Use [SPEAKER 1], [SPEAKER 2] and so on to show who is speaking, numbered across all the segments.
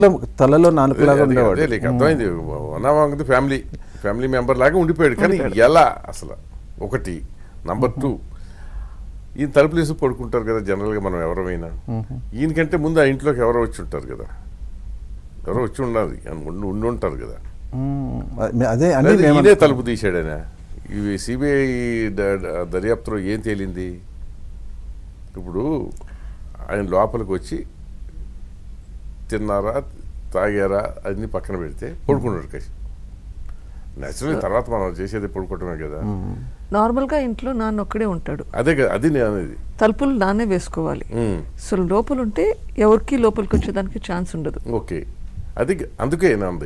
[SPEAKER 1] తలలో నాలుగులాగా ఉండేవాడు.
[SPEAKER 2] అర్థమైంది. వన్ ఫ్యామిలీ మెంబర్ లాగా ఉండిపోయాడు. కానీ ఎలా అసలు ఒకటి. నంబర్ 2, ఈయన తలుపులు వేసి పడుకుంటారు కదా జనరల్గా మనం ఎవరైనా. ఈయనకంటే ముందు ఆ ఇంట్లోకి ఎవరో వచ్చి ఉంటారు కదా, ఎవరో వచ్చి ఉండాలి ఉండి ఉంటారు కదా.
[SPEAKER 1] అదే
[SPEAKER 2] ఈయనే తలుపు తీసాడైనా. ఇవి సిబిఐ దర్యాప్తులో ఏం తేలింది? ఇప్పుడు ఆయన లోపలికి వచ్చి తిన్నారా తాగారా అన్ని పక్కన పెడితే పడుకున్నాడు కసి. నేచురల్ తర్వాత మనం చేసేది పడుకోవటమే కదా.
[SPEAKER 3] నార్మల్ గా ఇంట్లో నాన్న ఒక్కడే ఉంటాడు.
[SPEAKER 2] అదే కదా, అది నేను అనేది.
[SPEAKER 3] తలుపులు నాన్నే వేసుకోవాలి. సో లోపల ఉంటే ఎవరికి లోపలికి వచ్చేదానికి ఛాన్స్ ఉండదు.
[SPEAKER 2] ఓకే, అది అందుకే నాంది.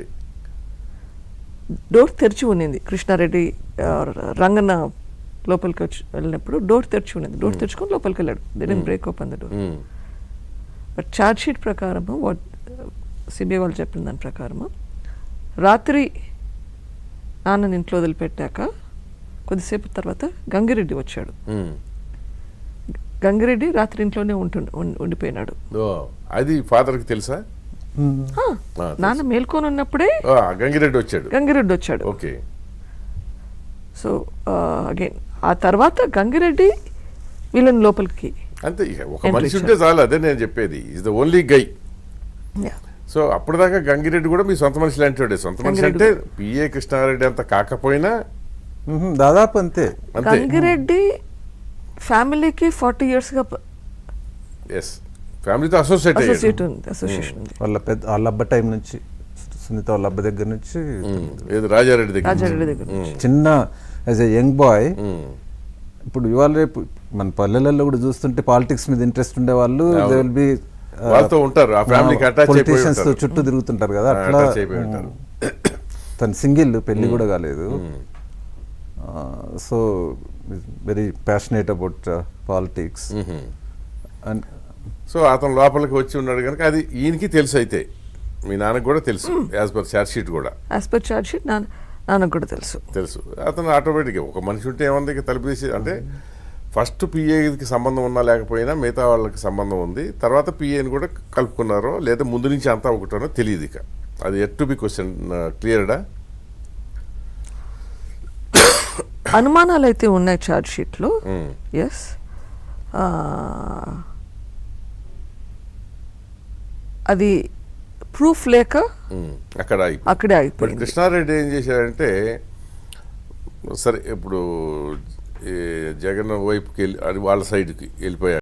[SPEAKER 3] డోర్ తెరిచి ఉన్నింది. కృష్ణారెడ్డి రంగన్న లోపలికి వచ్చి వెళ్ళినప్పుడు డోర్ తెరిచి ఉన్నది. డోర్ తెరుచుకొని లోపలికి వెళ్ళాడు. They didn't break open the door. But charge sheet ప్రకారము సిబిఐ వాళ్ళు చెప్పిన దాని ప్రకారము రాత్రి నాన్నని ఇంట్లో వదిలిపెట్టాక కొద్దిసేపు తర్వాత గంగిరెడ్డి వచ్చాడు. గంగిరెడ్డి రాత్రి ఇంట్లోనే ఉండిపోయినాడు.
[SPEAKER 2] అది ఫాదర్కి తెలుసా?
[SPEAKER 3] నాన్న మేల్కొని ఉన్నప్పుడే
[SPEAKER 2] గంగిరెడ్డి వచ్చాడు.
[SPEAKER 3] ఓకే. సో అగైన్ ఆ తర్వాత గంగిరెడ్డి వీళ్ళని లోపలికి
[SPEAKER 2] అంతే. ఒక మనిషి ఉంటే చాలు, అదే నేను చెప్పేది. Is the only guy. So అప్పటిదాకా గంగిరెడ్డి కూడా మీ సొంత మనిషి లాంటి సొంత మనిషి అంటే పిఏ కృష్ణారెడ్డి అంత కాకపోయినా
[SPEAKER 1] దాదాపు అంతే.
[SPEAKER 3] గంగిరెడ్డి ఫ్యామిలీకి 40 years గా
[SPEAKER 2] ఫ్యామిలీతో
[SPEAKER 3] అసోసియేషన్
[SPEAKER 1] వాళ్ళ అబ్బ టైం నుంచి, సునీత వాళ్ళ అబ్బ దగ్గర నుంచి,
[SPEAKER 2] రాజారెడ్డి
[SPEAKER 3] దగ్గర
[SPEAKER 1] చిన్న యాజ్ ఎ యంగ్ బాయ్. ఇప్పుడు ఇవాళ రేపు మన పల్లెలలో కూడా చూస్తుంటే పాలిటిక్స్ మీద ఇంట్రెస్ట్ ఉండే వాళ్ళు దే విల్ బి
[SPEAKER 2] వాళ్ళతో ఉంటారు, ఆ ఫ్యామిలీకి అటాచ్
[SPEAKER 1] పొలిటీషియన్స్ తో చుట్టూ తిరుగుతుంటారు కదా. అట్లా తను సింగిల్, పెళ్లి కూడా కాలేదు. So very passionate about politics. And
[SPEAKER 2] so అతను లోపలికి వచ్చి ఉన్నాడు కనుక అది ఈయనకి తెలుసు. అయితే మీ నాన్నకు కూడా తెలుసు, యాజ్ పర్ ఛార్జ్ షీట్ కూడా.
[SPEAKER 3] యాజ్ పర్ ఛార్జ్ షీట్ నాన్నకు కూడా తెలుసు.
[SPEAKER 2] అతను ఆటోమేటిక్గా ఒక మనిషి ఉంటే ఏముంది తలుపు తీసి, అంటే ఫస్ట్ పిఏకి సంబంధం ఉన్నా లేకపోయినా మిగతా వాళ్ళకి సంబంధం ఉంది. తర్వాత పిఏని కూడా కలుపుకున్నారో లేదా ముందు నుంచి అంతా ఒకటో తెలియదు. ఇక అది ఎట్ టు బి క్వశ్చన్. క్లియర్డా?
[SPEAKER 3] అనుమానాలు అయితే ఉన్నాయి ఛార్జ్ షీట్లో. ఎస్. అది ప్రూఫ్ లేక అక్కడే అయిపోయింది.
[SPEAKER 2] కృష్ణారెడ్డి ఏం చేశాడంటే, సరే ఇప్పుడు జగన్ వైపుకి వెళ్ళి వాళ్ళ సైడ్కి వెళ్ళిపోయాడు.